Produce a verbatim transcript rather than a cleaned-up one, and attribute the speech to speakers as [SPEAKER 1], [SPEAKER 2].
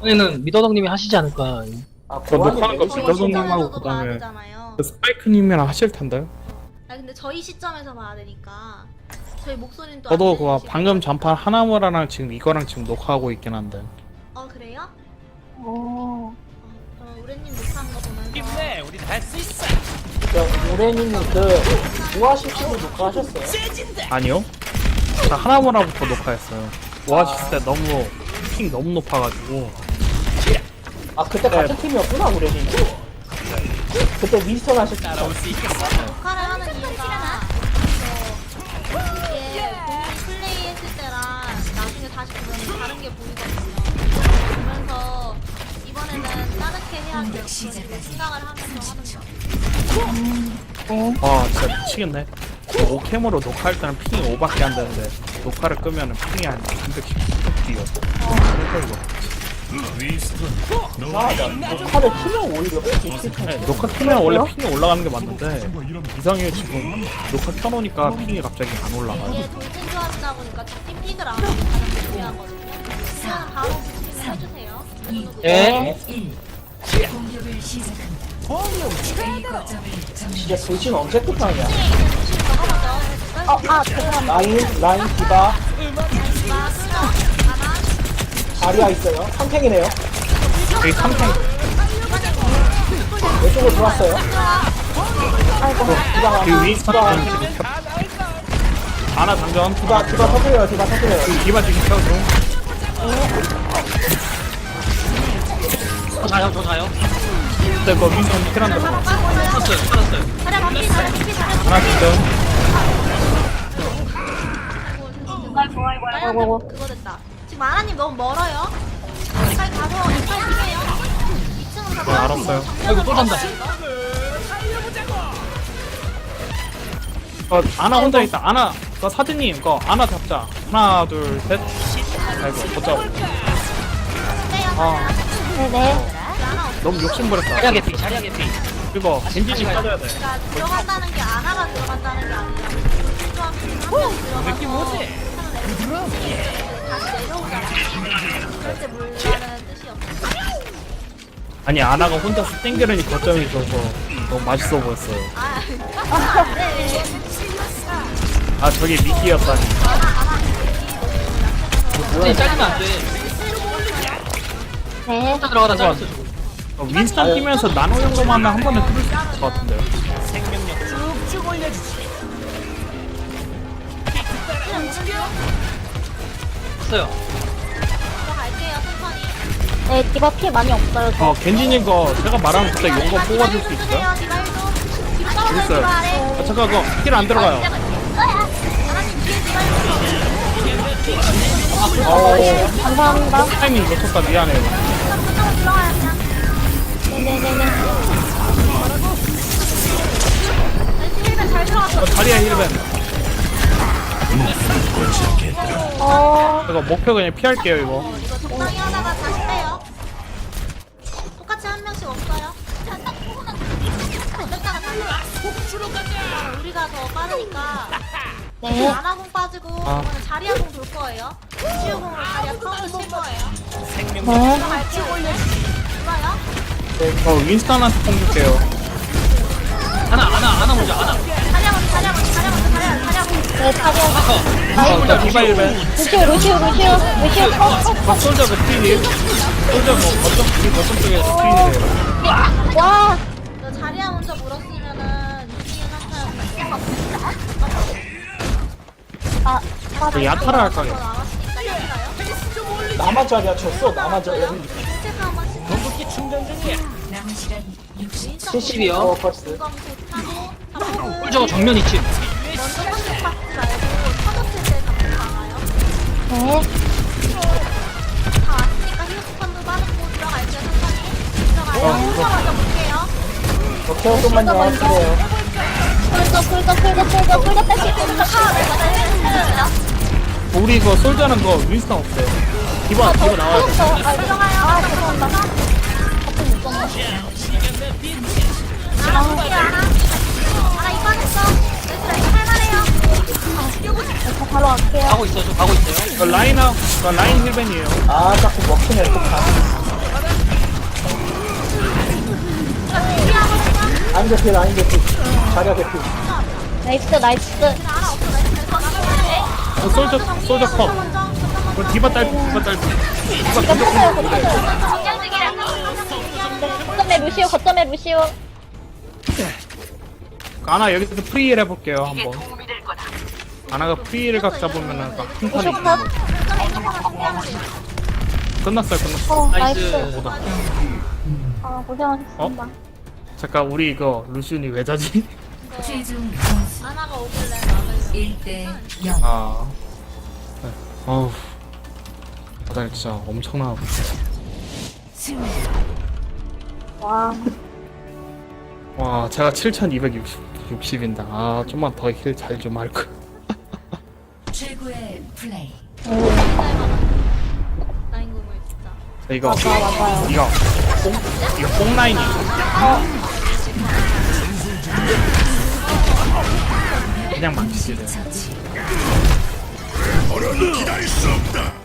[SPEAKER 1] 이번에는 미더덕님이 하시지 않을까.
[SPEAKER 2] 아,
[SPEAKER 3] 저
[SPEAKER 2] 고환이
[SPEAKER 3] 녹화하는 거
[SPEAKER 2] 메이저
[SPEAKER 3] 미더덕
[SPEAKER 2] 시점에서
[SPEAKER 3] 님하고
[SPEAKER 4] 시점에서도 봐야
[SPEAKER 3] 그다음에
[SPEAKER 4] 되잖아요.
[SPEAKER 3] 스파이크님이랑 하실 텐데요.
[SPEAKER 4] 아 근데 저희 시점에서 봐야 되니까 저희 목소리는 또
[SPEAKER 3] 저도
[SPEAKER 4] 안
[SPEAKER 3] 그
[SPEAKER 4] 들리시고.
[SPEAKER 3] 방금 전판 하나무라랑 지금 이거랑 지금 녹화하고 있긴 한데.
[SPEAKER 4] 어 그래요?
[SPEAKER 5] 어.
[SPEAKER 4] 어, 그럼 우레님 녹화한 거 보면서
[SPEAKER 6] 힘내, 우리 할 수 있어.
[SPEAKER 2] 우레님이 그 우아시스도 녹화하셨어요?
[SPEAKER 3] 아니요. 자 하나무라부터 녹화했어요. 오아시스 때 너무 핑 너무 높아가지고.
[SPEAKER 2] 아 그때
[SPEAKER 3] 네.
[SPEAKER 2] 같은 팀이었구나 우레님. 그때 윈스턴 하실 때.
[SPEAKER 6] 따라올 수 있겠어.
[SPEAKER 4] 녹화를 하는 이유가 저 이게 본인이 플레이했을 때랑 나중에 다시 보면 다른 게 보이거든요. 보면서 이번에는 다르게 해야겠다 생각을 하면서 하는 거.
[SPEAKER 3] 와 진짜 미치겠네. 오캠으로 녹화할 때는 핑이 오밖에 안 되는데 녹화를 끄면은 핑이 한 삼백씩 뛰어. 그래서 이거.
[SPEAKER 2] 이상하다. 녹화를 키면 오히려 핑이
[SPEAKER 3] 네, 녹화 켜면 원래 핑이 올라가는 게 맞는데 이상해요. 지금 녹화 켜놓으니까 핑이 갑자기 안 올라가요.
[SPEAKER 4] 이게 돌진 조합이다 보니까 팀 픽을 안 하면 가장 중요하거든요. 그냥 바로 부팅을 해주세요.
[SPEAKER 1] 예?
[SPEAKER 5] 공격을 시작합니다.
[SPEAKER 2] 진짜 돌진 언제 끝나냐.
[SPEAKER 4] 부팅 적어보죠.
[SPEAKER 5] 어, 아, 죄송합니다.
[SPEAKER 2] 라인 라인 디바
[SPEAKER 4] 마, 수정, 아나,
[SPEAKER 2] 자리아 있어요. 삼탱이네요.
[SPEAKER 3] 여기 삼탱
[SPEAKER 2] 왼쪽으로 들어왔어요.
[SPEAKER 5] 아이고.
[SPEAKER 2] 디바
[SPEAKER 3] 그
[SPEAKER 2] 하나.
[SPEAKER 3] 윈스턴
[SPEAKER 2] 디바
[SPEAKER 3] 지금 켜. 아나 장전.
[SPEAKER 2] 디바 디바 터뜨려요. 디바 터뜨려요.
[SPEAKER 3] 그 이바 지금 켜줘.
[SPEAKER 1] 저 자요, 저 자요.
[SPEAKER 3] 근데 그 윈스턴 킬한다.
[SPEAKER 1] 살았어요, 살았어요.
[SPEAKER 4] 자리 반피, 자리 반피, 자리 반피.
[SPEAKER 3] 하나 장전.
[SPEAKER 5] 아이고, 아이고, 아이고, 아이고.
[SPEAKER 4] 그거 됐다. 지금 아나님 너무 멀어요. 빨리 가서 이빨 피해요. 이 층으로 가서.
[SPEAKER 3] 네, 알았어요.
[SPEAKER 1] 아이고, 또 잔다.
[SPEAKER 3] 어, 아나 혼자 있다. 아나, 그 사진님, 거 아나 잡자. 하나, 둘, 셋. 아이고, 못 잡아. 아,
[SPEAKER 5] 네네.
[SPEAKER 3] 너무 욕심 부렸다.
[SPEAKER 1] 자리야 개피, 자리야 개피.
[SPEAKER 3] 이거 겐지님 빠져야 돼.
[SPEAKER 4] 그러니까 들어간다는 게 아나가 들어간다는 게 아니라 돌진 조합이 한명
[SPEAKER 6] 느낌
[SPEAKER 4] 들어가서
[SPEAKER 6] 오지?
[SPEAKER 4] 다시 내려오잖아. 그럴 때 물라는 뜻이 없어.
[SPEAKER 3] 아니, 아나가 혼자서 땡겨르니 거점이 있어서 너무 맛있어 보였어요.
[SPEAKER 4] 아, 아, 네.
[SPEAKER 3] 아, 저게 미끼였다니.
[SPEAKER 1] 근데 잘리면 안 돼.
[SPEAKER 5] 네.
[SPEAKER 1] 혼자 들어가다 잘렸어, 지금.
[SPEAKER 3] 어, 윈스턴 뛰면서 나노 연금하면 한 번에 뚫을 수 있을 것 같은데요.
[SPEAKER 6] 생명력 쭉쭉 올려주지.
[SPEAKER 1] 했어요.
[SPEAKER 4] 들어갈게요, 천천히.
[SPEAKER 5] 네, 디바 피 많이 없어요. 저.
[SPEAKER 3] 어, 겐지님 거 제가 말하면 그때 용거 뽑아줄 수 있어요? 있어요. 아, 잠깐, 그거 힐 안 들어가요.
[SPEAKER 2] 어,
[SPEAKER 5] 감사합니다.
[SPEAKER 3] 타이밍 놓쳤다, 미안해요.
[SPEAKER 5] 네네네네.
[SPEAKER 3] 어, 다리야 힐벤.
[SPEAKER 5] 어,
[SPEAKER 3] 이거 목표 그냥 피할게요, 이거.
[SPEAKER 4] 이거 적당히 하다가 다시 빼요. 똑같이 한 명씩 없어요. 뺐다가 살려. 우리가 더 빠르니까
[SPEAKER 5] 네.
[SPEAKER 4] 아나공 빠지고
[SPEAKER 3] 아.
[SPEAKER 4] 이번엔 자리아공 돌 거예요. 치유공으로 자리아 카운트 칠 거예요.
[SPEAKER 5] 네.
[SPEAKER 4] 들어갈게요. 좋아요.
[SPEAKER 3] 어, 윈스턴한테 뽕 줄게요.
[SPEAKER 1] 하나, 하나, 하나 먼저, 하나.
[SPEAKER 4] 자리아 먼저, 자리아 먼저, 자리아 먼저, 자리아, 자리아 먼저.
[SPEAKER 5] 네, 타리아.
[SPEAKER 1] 하나.
[SPEAKER 3] 일단 디바 힐벤.
[SPEAKER 5] 루시오, 루시오, 루시오. 루시오, 컷, 컷,
[SPEAKER 3] 어, 솔저 그 스크린이. 솔저 뭐, 거점, 우리 거점 쪽에 스크린이래요.
[SPEAKER 5] 컷. 와.
[SPEAKER 4] 너 자리아 먼저 물었으면은 이기는 상태였는데.
[SPEAKER 5] 아, 아,
[SPEAKER 3] 저 야타를 할까,
[SPEAKER 4] 더
[SPEAKER 3] 요
[SPEAKER 4] 나왔으니까 이길까요?
[SPEAKER 2] 나만 자리아 쳤어. 나만 자리아.
[SPEAKER 4] 스텝 한 번씩.
[SPEAKER 6] 궁극기 충전 중이야.
[SPEAKER 1] 칠십이요.
[SPEAKER 2] 어, 벌써.
[SPEAKER 4] 공감 좋다고 잡고
[SPEAKER 1] 꿀저거 정면 이치.
[SPEAKER 4] 먼저 컨택 받지 말고 터졌을 때 잡고 강화요.
[SPEAKER 5] 네.
[SPEAKER 4] 다 왔으니까 히어스펀도 빠르고 들어갈게요. 천천히 들어가요.
[SPEAKER 3] 어,
[SPEAKER 4] 혼자 먼저 볼게요.
[SPEAKER 2] 오케이, 조금만요. 그래요.
[SPEAKER 5] 풀더, 풀더, 풀더, 풀더, 풀더 빼실 수 있어.
[SPEAKER 3] 우리 그 솔저는 거 윈스턴 없어요. 디바, 디바 나와야 돼.
[SPEAKER 5] 아,
[SPEAKER 4] 들어가요.
[SPEAKER 5] 아, 죄송합니다. 같은 못 봤네.
[SPEAKER 4] 하나 볼게요. 하나. 하나 이빠졌어. 얘들아 이거 할만해요.
[SPEAKER 5] 저 바로 갈게요.
[SPEAKER 1] 가고 있어요, 저 가고 있어요.
[SPEAKER 3] 그 라인아, 그 라인 힐벤이에요.
[SPEAKER 2] 아, 자꾸 먹히네, 또 가. 라인 개피 라인 개피 자리야 개피.
[SPEAKER 5] 나이스 나이스.
[SPEAKER 4] 알아 없어 나
[SPEAKER 3] 어, 솔저 솔저 컵. 그 디바 딸 디바 딸. 디바
[SPEAKER 5] 이거
[SPEAKER 3] 공격
[SPEAKER 5] 붙어요
[SPEAKER 3] 공격.
[SPEAKER 5] 붙어요. 거점에 루시오 거점에 루시오.
[SPEAKER 3] 아나 여기서 프리힐 해볼게요 한번. 아나가 프리힐 각 잡으면은 막 큰 판이
[SPEAKER 5] 루시오 컷.
[SPEAKER 3] 끝났어요 끝났어.
[SPEAKER 5] 어
[SPEAKER 1] 나이스.
[SPEAKER 5] 나이스.
[SPEAKER 3] 뭐다.
[SPEAKER 5] 아 고생하셨습니다.
[SPEAKER 3] 잠깐 우리 이거 루시온이 왜 자지?
[SPEAKER 7] 최종 점수
[SPEAKER 4] 아나가 오길래 나를
[SPEAKER 7] 일 대 영.
[SPEAKER 3] 아. 네. 어우. 바닥 진짜 엄청나고.
[SPEAKER 7] 승리.
[SPEAKER 5] 와.
[SPEAKER 3] 와, 제가 칠천이백육십인다. 아, 좀만 더 힐 잘 좀 할 걸.
[SPEAKER 7] 최고의 플레이.
[SPEAKER 4] 라인 공을 진짜
[SPEAKER 3] 자, 이거,
[SPEAKER 5] 맞아 맞아요.
[SPEAKER 3] 이거, 뽕, 이거 뽕라인이. 그냥 망치지.
[SPEAKER 7] 처치.
[SPEAKER 8] 더는 기다릴 수 없다.